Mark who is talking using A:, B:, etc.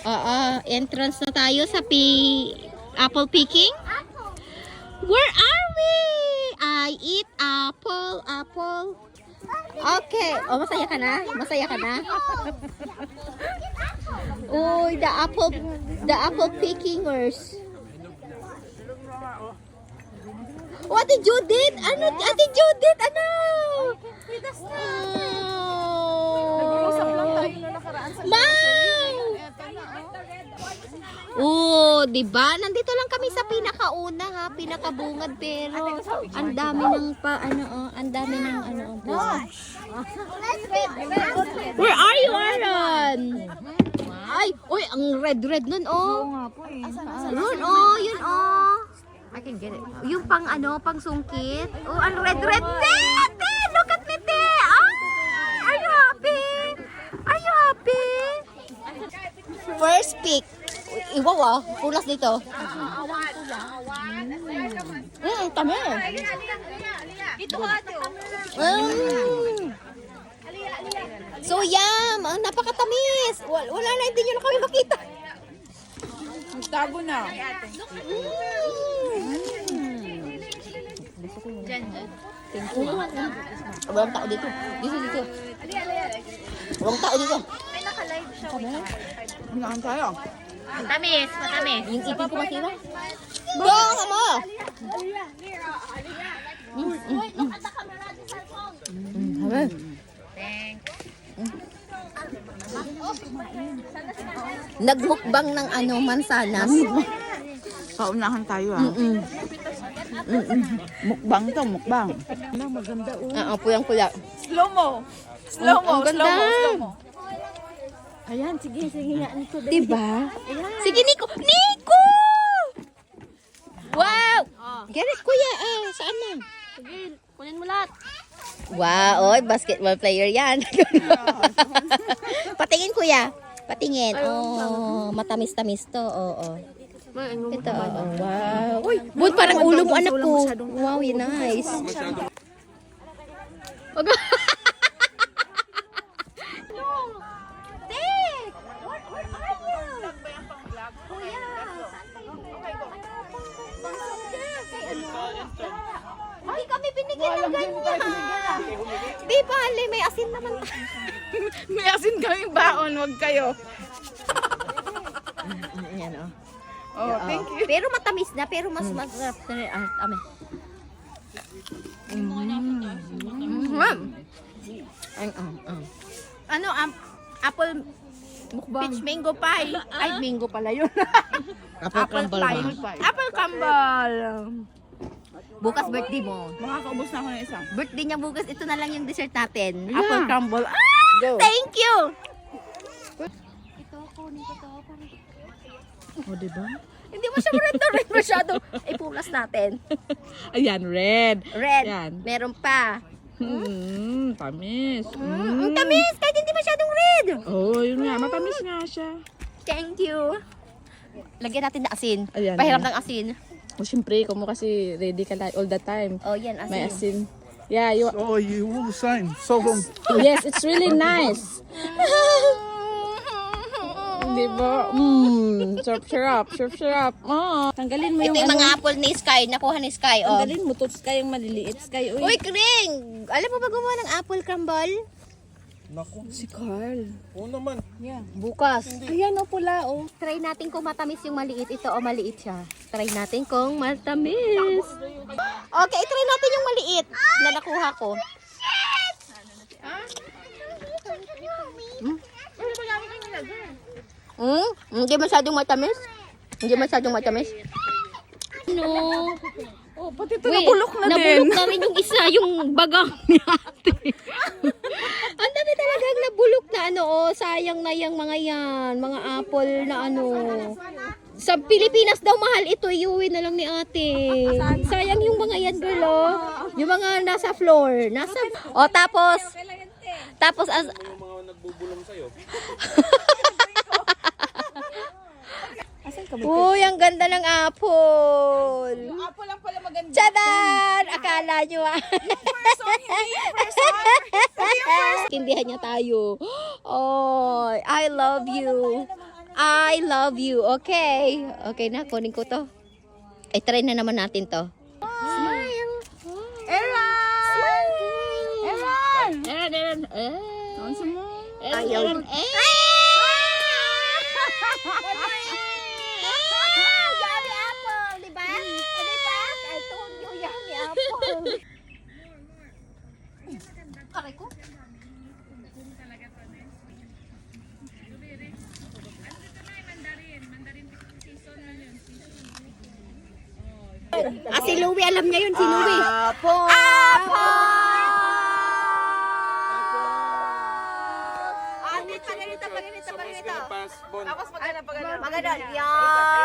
A: Entrance na tayo sa apple picking. Where are we? I eat apple. Okay. Oh, masaya ka na? Masaya ka na? Uy, the apple pickingers. Oh, Ate Judith! Ano? Ate Judith, ano?
B: Nag-uusap lang tayo na nakaraan sa
A: Ma'am! Oh, 'di ba? Nandito lang kami sa pinakauna ha, pinakabungad pero ang dami ng ang dami ng Where are you, Aaron? Ay, oy, ang red nun oh. Yun oh, yun oh. I can get it. Yung pang pang sungkit. Oh, ang red. Te, look at me, te. Are you happy? Are you happy? First pick. Iwaw pulas dito. Tama.
B: Dito ka ate.
A: So yum, ang napakatamis. Wala na, hindi nyo na kami makita.
B: Tago na.
A: Thank you. Walang tao dito. Dito. Walang tao dito.
B: May naka-live siya.
C: Hinaan tayo.
B: Matamis.
A: Yung ipin ko masira. Bong, mo! Nagmukbang ng mansanas.
C: Paunahan tayo Mukbang to, mukbang. Maganda
A: Puyang-puya.
B: Slow mo.
A: Ang ganda.
B: Slow mo.
C: Ayan, sige nga nito.
A: Diba? Sige, Nico! Nico! Wow! Get it, kuya. Saan na?
B: Sige, kunin mo lahat.
A: Wow, oy, basketball player yan. Patingin, kuya. Patingin. Oh, matamis-tamis to. Oo. Ito, wow. Uy, bud, parang ulo mo, anak ko. Wow, yun, nice. Hindi kami binigyan ng ganyan. Di bale, may asin naman.
C: May asin kaming baon, wag kayo.
A: Yan, oh.
C: Oh, thank you.
A: Pero matamis na, pero mas masarap na rin. Ame.
B: Ano, apple peach mango pie. Ay, mango pala yun.
A: Apple
B: pie. Apple crumble.
A: Bukas birthday mo.
C: Makakaubos na ako ng isa.
A: Birthday niya bukas. Ito na lang yung dessert natin. Apple crumble.
C: Go.
A: Thank you! Ito, kunin ko to.
C: O, diba?
A: Hindi mo siya red masyado. Ipulas natin.
C: Ayan, red.
A: Red.
C: Yan.
A: Meron pa.
C: Tamis.
A: Ang tamis! Kahit hindi masyadong red.
C: Oh, yun nga. Matamis nga siya.
A: Thank you. Lagyan natin na asin.
C: Ayan,
A: Pahiram
C: ayan.
A: ng asin.
C: O, syempre, kung mo kasi ready ka all the time.
A: Oh, yan, asin.
C: May asin. Yeah, you...
D: Oh, you will sign. So
C: Yes, it's really nice. Diba? Syrup. Oh, tanggalin mo
A: Ito
C: yung
A: yung mga apple ni Sky. Nakuha ni Sky. Oh.
C: Tanggalin mo to, Sky, yung maliliit. Sky,
A: Uy, Kring! Alam mo ba gumawa ng apple crumble?
D: Naku.
C: Si Carl.
D: Oo naman.
A: Bukas.
C: Ayan, o, pula, o.
A: Try natin kung matamis yung maliit. Ito, maliit siya. Try natin kung matamis. Okay, try natin yung maliit na nakuha ko. Hindi masyadong matamis. No.
C: Oh, pati ito nabulok na din.
A: Nabulok na rin yung isa, yung bagang ni ate. Ang dami talagang nabulok na sayang na yung mga yan, mga apple na Sa Pilipinas daw mahal ito, iuwi na lang ni ate. Sayang yung mga yan, girl, oh. Yung mga nasa floor. Tapos
D: Yung mga nagbubulong sa'yo.
A: Uy, ang ganda ng apple.
B: Apple lang pala maganda.
A: Tchadan! Akala nyo Kindihan niya tayo. Oh, I love you. I love you. Okay. Okay na, kunin ko to. Ay, try na naman natin to. Smile.
B: Aaron!
C: Aaron!
B: Ano mo?
A: Ayaw.
B: Yummy apple, di ba? Di ba? I told you, yummy apple. Aray ko.
A: Ah, si Louie, alam niya yun, si Louie.
B: Apple! Pag ganito.
D: Tapos
B: Maganda. Yan.